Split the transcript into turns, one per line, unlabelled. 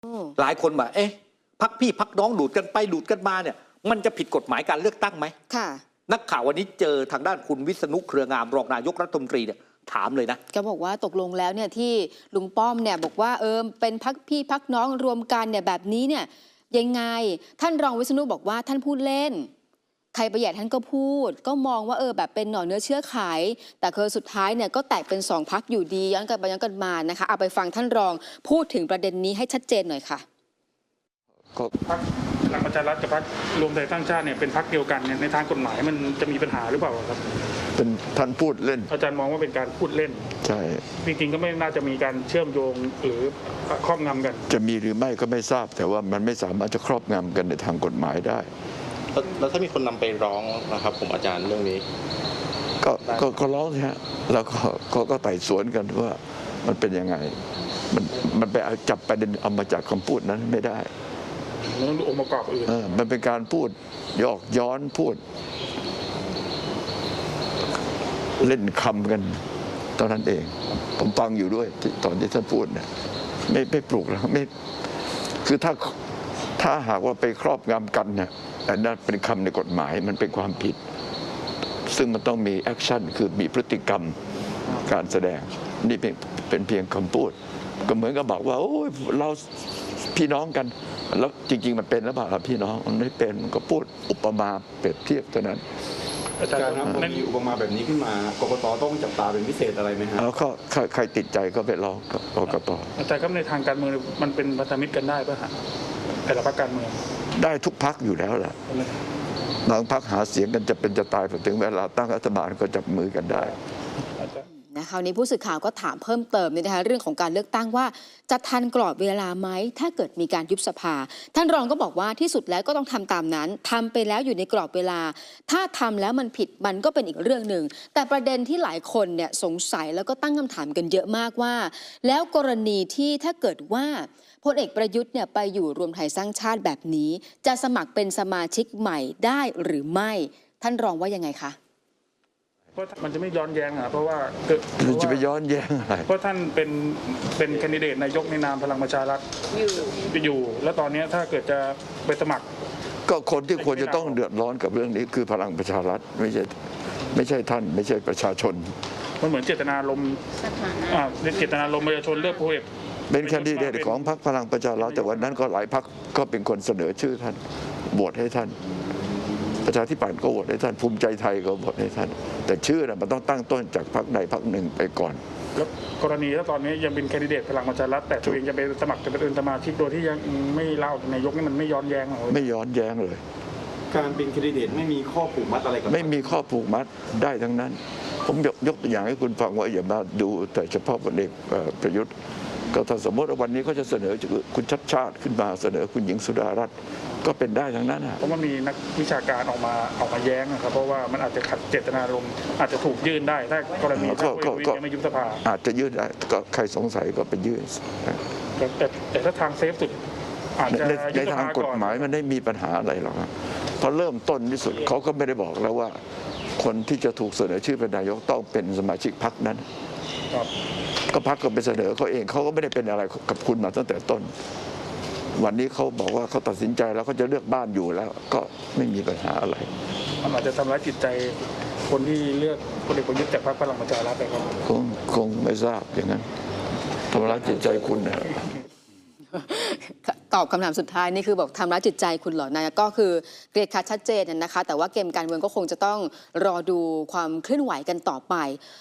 หลายคนบอกเอ๊ะพักพี่พักน้องดูดกันไปดูดกันมาเนี่ยมันจะผิดกฎหมายการเลือกตั้งไหม
ค่ะ
นักข่าววันนี้เจอทางด้านคุณวิษณุเครืองามรองนายกรัฐมนตรีเนี่ยถามเลยนะ
ก็บอกว่าตกลงแล้วเนี่ยที่ลุงป้อมเนี่ยบอกว่าเป็นพักพี่พักน้องรวมกันเนี่ยแบบนี้เนี่ยยังไงท่านรองวิษณุบอกว่าท่านพูดเล่นใครประหยัดท่านก็พูดก็มองว่าแบบเป็นหน่อเนื้อเชื้อไขแต่คือสุดท้ายเนี่ยก็แตกเป็นสองพักอยู่ดีย้อนกันไปย้อนกันมานะคะเอาไปฟังท่านรองพูดถึงประเด็นนี้ให้ชัดเจนหน่อยค่ะ
พรรคพลังประชารัฐกับพรรครวมไทยสร้างชาติเนี่ยเป็นพรรคเดียวกันเนี่ยในทางกฎหมายมันจะมีปัญหาหรือเปล่าครับ
เป็นท่านพูดเล่น
อาจารย์มองว่าเป็นการพูดเล่น
ใช่
จริงๆก็ไม่น่าจะมีการเชื่อมโยงหรือครอบงำกัน
จะมีหรือไม่ก็ไม่ทราบแต่ว่ามันไม่สามารถจะครอบงำกันในทางกฎหมายได้
แล้วถ้ามีคนนำไปร้องนะครับผมอาจารย์เรื่องนี้
ก็ร้องใช่ฮะแล้วก็ไต่สวนกันว่ามันเป็นยังไงมันไปจับประเด็นเอามาจากคำพูดนั้นไม่ได้
มันต้องดูองค์ประกอบอื่น
มันเป็นการพูดยอกย้อนพูดเล่นคำกันตอนนั้นเองผมฟังอยู่ด้วยตอนที่ท่านพูดเนี่ยไม่ปลุกแล้วไม่คือถ้าหากว่าไปครอบงำกันเนี่ยอันนั้นเป็นคำในกฎหมายมันเป็นความผิดซึ่งมันต้องมีแอคชั่นคือมีพฤติกรรมการแสดงนี่เป็นเพียงคำพูดก็เหมือนกับบอกว่าโอ้ยเราพี่น้องกันแล้วจริงๆมันเป็นแล้วเปล่าพี่น้องมันไม่เป็นมันก็พูดอุปมาเปรียบเทียบเท่านั้น
อาจารย์ครับมีอุปมาแบบนี้ขึ้นมากกตต้องจับตาเป็นพิเศษอะไรไหมครับ
แล้วก็ใครติดใจก็ไปร้องกกต
อาจารย์ครับในทางการเมืองมันเป็นพันธมิตรกันได้ป่ะฮะแต่ละพรรคการเมือง
ได้ทุกพรรคอยู่แล้วแหละบางพรรคหาเสียงกันจะเป็นจะตายพอถึงเวลาตั้งรัฐบาลก็จับมือกันได้
คราวนี้ผู้สื่อข่าวก็ถามเพิ่มเติมนะคะเรื่องของการเลือกตั้งว่าจะทันกรอบเวลาไหมถ้าเกิดมีการยุบสภาท่านรองก็บอกว่าที่สุดแล้วก็ต้องทำตามนั้นทำไปแล้วอยู่ในกรอบเวลาถ้าทำแล้วมันผิดมันก็เป็นอีกเรื่องหนึ่งแต่ประเด็นที่หลายคนเนี่ยสงสัยแล้วก็ตั้งคำถามกันเยอะมากว่าแล้วกรณีที่ถ้าเกิดว่าพลเอกประยุทธ์เนี่ยไปอยู่รวมไทยสร้างชาติแบบนี้จะสมัครเป็นสมาชิกใหม่ได้หรือไม่ท่านรองว่ายังไงคะ
เพราะมันจะไม่ย้อนแย้งเพราะว่า
จะไปย้อนแย้งอะไร
เพราะท่านเป็นแคนดิเดตนายกในนามพลังประชารัฐอยู่แล้วตอนนี้ถ้าเกิดจะไปสมัคร
ก็คนที่ควรจะต้องเดือดร้อนกับเรื่องนี้คือพลังประชารัฐไม่ใช่ท่านไม่ใช่ประชาชน
มันเหมือนเจตนารมณ์เจตนารมณ์ประชาชนเลือกพลเอก
เป็นแคนดิเดตของพรรคพลังประชารัฐแต่วันนั้นก็หลายพรรคก็เป็นคนเสนอชื่อท่านโหวตให้ท่านประชาธิปัตย์ก็โหวตให้ท่านภูมิใจไทยก็โหวตให้ท่านแต่ชื่อมันต้องตั้งต้นจากพรรคใดพรรคหนึ่งไปก่อน
แล้วกรณีถ้าตอนนี้ยังเป็นแคนดิเดตพลังประชารัฐแต่ตัวเองจะไปสมัครจะเป็นสมาชิกโดยที่ยังไม่เล่านายกนี่มันไม่ย้อนแย้งหรอ
ไม่ย้อนแย้งเลย
การเป็นแคนดิเดตไม่มีข้อผูกมัดอะไรกับ
ไม่มีข้อผูกมัดได้ทั้งนั้นผมยกตัวอย่างให้คุณฟังว่าอย่ามาดูแต่เฉพาะพลเอกประยุทธ์ก็ถ้าสมมติว่าวันนี้เขาจะเสนอคุณชัดชาติขึ้นมาเสนอคุณหญิงสุดารัตน์ก็เป็นได้ทั้งนั้น
เพราะมันมีนักวิชาการออกมาแย้งนะครับเพราะว่ามันอาจจะขัดเจตนารมณ์อาจจะถูกยื่นได้ถ้ากรณีถ้าไม่ยุบสภา
อาจจะยื่นได้ก็ใครสงสัยก็ไปยื่น
แต่ถ้าทางเซฟสุดอาจจะ
ในทางกฎหมายมันไม่มีปัญหาอะไรหรอกพอเริ่มต้นที่สุดเขาก็ไม่ได้บอกแล้วว่าคนที่จะถูกเสนอชื่อเป็นนายกต้องเป็นสมาชิกพรรคนั้นก็พรรคก็ไปเสนอเขาเองเขาก็ไม่ได้เป็นอะไรกับคุณมาตั้งแต่ต้นวันนี้เขาบอกว่าเขาตัดสินใจแล้วเขาจะเลือกบ้านอยู่แล้วก็ไม่มีปัญหาอะไร
มันอาจจะทำร้ายจิตใจคนที่เลือกพลเอกประยุทธ์จากพรรคพลังประชารัฐไปครับ
คงไม่ทราบอย่างนั้นทำร้ายจิตใจคุณนะ
ตอบคำถามสุดท้ายนี่คือบอกทำร้ายจิตใจคุณเหรอนายก็คือเกลียดชัดเจนนะคะแต่ว่าเกมการเมืองก็คงจะต้องรอดูความเคลื่อนไหวกันต่อไป